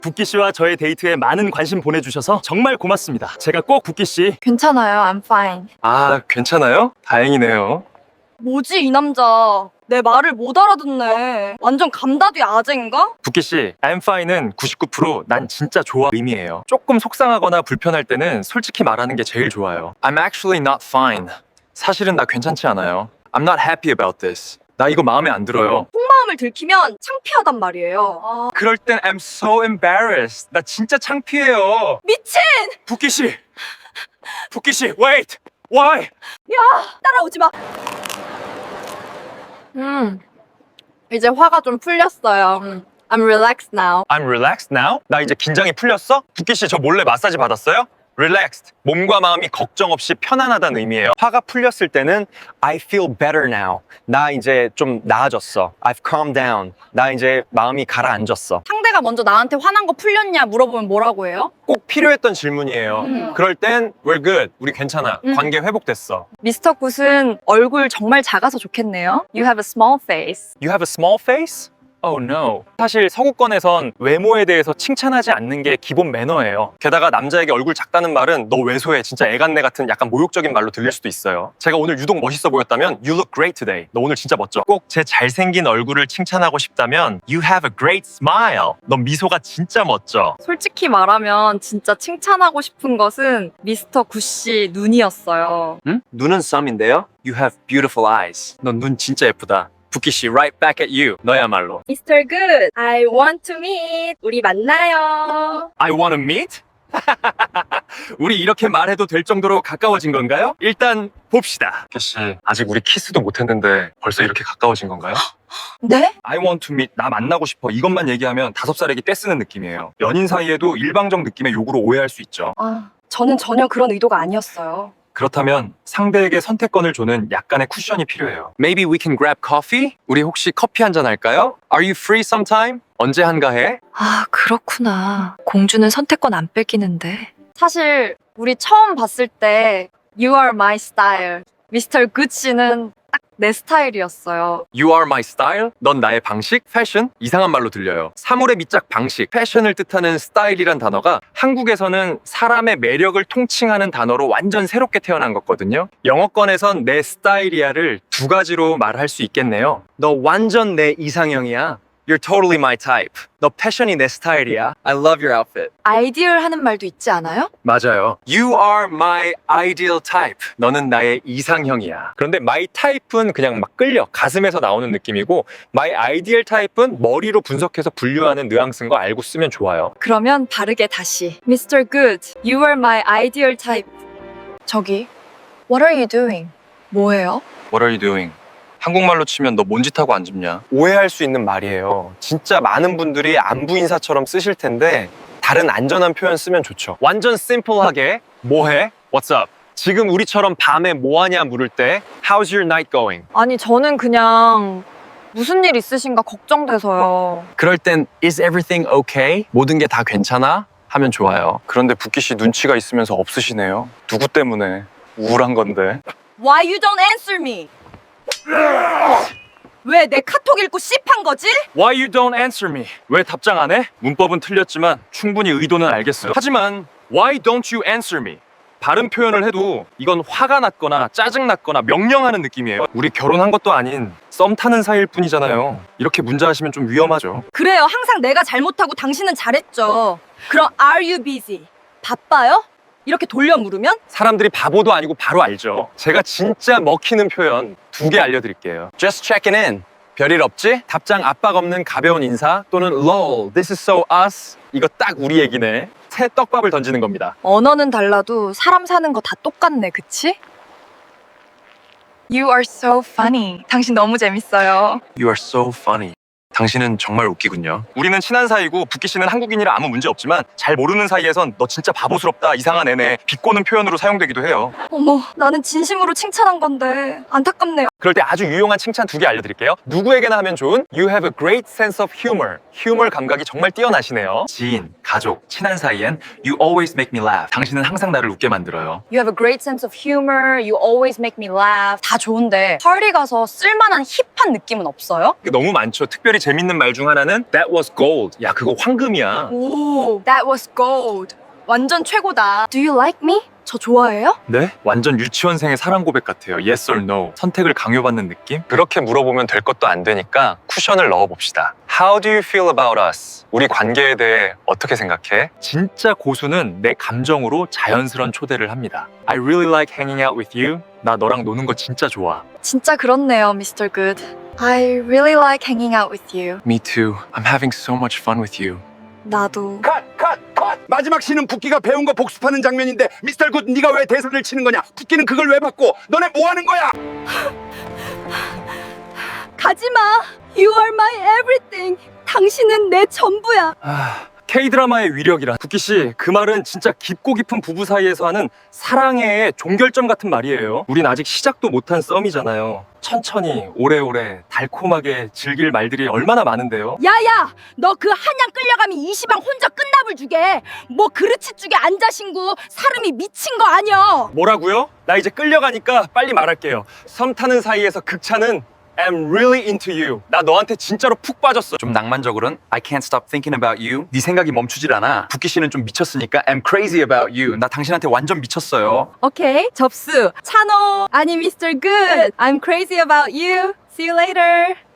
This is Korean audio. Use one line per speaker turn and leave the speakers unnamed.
붓기 씨와 저의 데이트에 많은 관심 보내주셔서 정말 고맙습니다. 제가 꼭 붓기 씨.
괜찮아요. I'm fine.
아, 괜찮아요? 다행이네요.
뭐지 이 남자. 내 말을 못 알아듣네. 완전 감다디 아재인가?
붓기 씨, I'm fine은 99%난 진짜 좋아 의미예요. 조금 속상하거나 불편할 때는 솔직히 말하는 게 제일 좋아요. I'm actually not fine. 사실은 나 괜찮지 않아요. I'm not happy about this. 나 이거 마음에 안 들어요.
속마음을 들키면 창피하단 말이에요. 아,
그럴 땐 I'm so embarrassed. 나 진짜 창피해요.
미친!
붓기 씨, 붓기 씨, wait, why?
따라오지 마. 이제 화가 좀 풀렸어요. I'm relaxed now.
I'm relaxed now? 나 이제 긴장이 풀렸어? 붓기 씨, 저 몰래 마사지 받았어요? Relaxed. 몸과 마음이 걱정 없이 편안하다는 의미예요. 화가 풀렸을 때는 I feel better now. 나 이제 좀 나아졌어. I've calmed down. 나 이제 마음이 가라앉았어.
상대가 먼저 나한테 화난 거 풀렸냐 물어보면 뭐라고 해요?
꼭 필요했던 질문이에요. 그럴 땐 we're good. 우리 괜찮아. 관계 회복됐어.
미스터 굿은 얼굴 정말 작아서 좋겠네요. You have a small face.
You have a small face? Oh no. 사실 서구권에선 외모에 대해서 칭찬하지 않는 게 기본 매너예요. 게다가 남자에게 얼굴 작다는 말은 너 왜소해 진짜 애간내 같은 약간 모욕적인 말로 들릴 수도 있어요. 제가 오늘 유독 멋있어 보였다면 You look great today. 너 오늘 진짜 멋져. 꼭 제 잘생긴 얼굴을 칭찬하고 싶다면 You have a great smile. 너 미소가 진짜 멋져.
솔직히 말하면 진짜 칭찬하고 싶은 것은 미스터 굿씨 눈이었어요.
응? 눈은 썸인데요. You have beautiful eyes. 넌 눈 진짜 예쁘다. 붓기 씨, right back at you. 너야말로.
Mr. Good, I want to meet. 우리 만나요.
I wanna meet? 우리 이렇게 말해도 될 정도로 가까워진 건가요? 일단 봅시다. 씨, 아직 우리 키스도 못했는데 벌써 이렇게 가까워진 건가요?
네?
I want to meet, 나 만나고 싶어 이것만 얘기하면 5살에게 떼쓰는 느낌이에요. 연인 사이에도 일방적 느낌의 요구로 오해할 수 있죠.
저는 전혀 그런 의도가 아니었어요.
그렇다면 상대에게 선택권을 주는 약간의 쿠션이 필요해요. Maybe we can grab coffee? 우리 혹시 커피 한잔 할까요? Are you free sometime? 언제 한가해?
아, 그렇구나. 공주는 선택권 안 뺏기는데.
사실 우리 처음 봤을 때 You are my style. 미스터 굿 씨는 딱 내 스타일이었어요.
You are my style? 넌 나의 방식? 패션? 이상한 말로 들려요. 사물의 밑작 방식, 패션을 뜻하는 스타일이란 단어가 한국에서는 사람의 매력을 통칭하는 단어로 완전 새롭게 태어난 거거든요. 영어권에선 내 스타일이야를 두 가지로 말할 수 있겠네요. 너 완전 내 이상형이야. You're totally my type. 너 패션이 내 스타일이야. I love your outfit.
아이디얼 하는 말도 있지 않아요?
맞아요. You are my ideal type. 너는 나의 이상형이야. 그런데 my type은 그냥 막 끌려 가슴에서 나오는 느낌이고 my ideal type은 머리로 분석해서 분류하는 뉘앙스인 거 알고 쓰면 좋아요.
그러면 바르게 다시. Mr. Good, you are my ideal type. 저기, what are you doing? 뭐예요?
What are you doing? 한국말로 치면 너 뭔 짓 하고 앉았냐? 오해할 수 있는 말이에요. 진짜 많은 분들이 안부 인사처럼 쓰실 텐데 다른 안전한 표현 쓰면 좋죠. 완전 심플하게 뭐해? What's up? 지금 우리처럼 밤에 뭐하냐 물을 때 How's your night going?
아니, 저는 그냥 무슨 일 있으신가 걱정돼서요.
그럴 땐 Is everything okay? 모든 게 다 괜찮아? 하면 좋아요. 그런데 붓기 씨 눈치가 있으면서 없으시네요. 누구 때문에? 우울한 건데.
Why you don't answer me? 왜 내 카톡 읽고 씹한 거지?
Why you don't answer me? 왜 답장 안 해? 문법은 틀렸지만 충분히 의도는 알겠어요. 하지만 Why don't you answer me? 바른 표현을 해도 이건 화가 났거나 짜증났거나 명령하는 느낌이에요. 우리 결혼한 것도 아닌 썸 타는 사이일 뿐이잖아요. 이렇게 문자하시면 좀 위험하죠.
그래요. 항상 내가 잘못하고 당신은 잘했죠. 그럼 are you busy? 바빠요? 이렇게 돌려 물으면?
사람들이 바보도 아니고 바로 알죠. 제가 진짜 먹히는 표현 2개 알려드릴게요. Just checking in. 별일 없지? 답장 압박 없는 가벼운 인사 또는 lol, this is so us. 이거 딱 우리 얘기네. 새 떡밥을 던지는 겁니다.
언어는 달라도 사람 사는 거 다 똑같네, 그치? You are so funny. 당신 너무 재밌어요.
You are so funny. 당신은 정말 웃기군요. 우리는 친한 사이고 붓기 씨는 한국인이라 아무 문제 없지만 잘 모르는 사이에선 너 진짜 바보스럽다, 이상한 애네, 비꼬는 표현으로 사용되기도 해요.
어머, 나는 진심으로 칭찬한 건데 안타깝네요.
그럴 때 아주 유용한 칭찬 2개 알려드릴게요. 누구에게나 하면 좋은 You have a great sense of humor. 휴머 감각이 정말 뛰어나시네요. 지인, 가족, 친한 사이엔 You always make me laugh. 당신은 항상 나를 웃게 만들어요.
You have a great sense of humor. You always make me laugh. 다 좋은데 파리 가서 쓸만한 힙한 느낌은 없어요?
너무 많죠. 특별히 재밌는 말 중 하나는 That was gold. 야, 그거 황금이야.
오, that was gold. 완전 최고다. Do you like me? 저 좋아해요?
네? 완전 유치원생의 사랑 고백 같아요. Yes or no. 선택을 강요받는 느낌? 그렇게 물어보면 될 것도 안 되니까 쿠션을 넣어봅시다. How do you feel about us? 우리 관계에 대해 어떻게 생각해? 진짜 고수는 내 감정으로 자연스러운 초대를 합니다. I really like hanging out with you. 나 너랑 노는 거 진짜 좋아.
진짜 그렇네요, Mr. Good. I really like hanging out with you.
Me too. I'm having so much fun with you.
나도.
컷! 마지막 씬은 붓기가 배운 거 복습하는 장면인데 미스터 굿 네가 왜 대사를 치는 거냐? 붓기는 그걸 왜 받고 너네 뭐 하는 거야?
가지마. You are my everything. 당신은 내 전부야.
K-드라마의 위력이란 부키씨 그 말은 진짜 깊고 깊은 부부 사이에서 하는 사랑의 종결점 같은 말이에요. 우린 아직 시작도 못한 썸이잖아요. 천천히 오래오래 달콤하게 즐길 말들이 얼마나 많은데요.
야야, 너 그 한양 끌려가면 이시방 혼자 끝납을 주게. 뭐 그릇치 쪽에 앉아신구 사람이 미친 거 아니여.
뭐라고요? 나 이제 끌려가니까 빨리 말할게요. 썸 타는 사이에서 극찬은 I'm really into you. 나 너한테 진짜로 푹 빠졌어. 좀 낭만적으로는 I can't stop thinking about you. 네 생각이 멈추질 않아. 부키 씨는 좀 미쳤으니까 I'm crazy about you. 나 당신한테 완전 미쳤어요.
오케이, 접수. 찬호. 아니, Mr. Good. I'm crazy about you. See you later.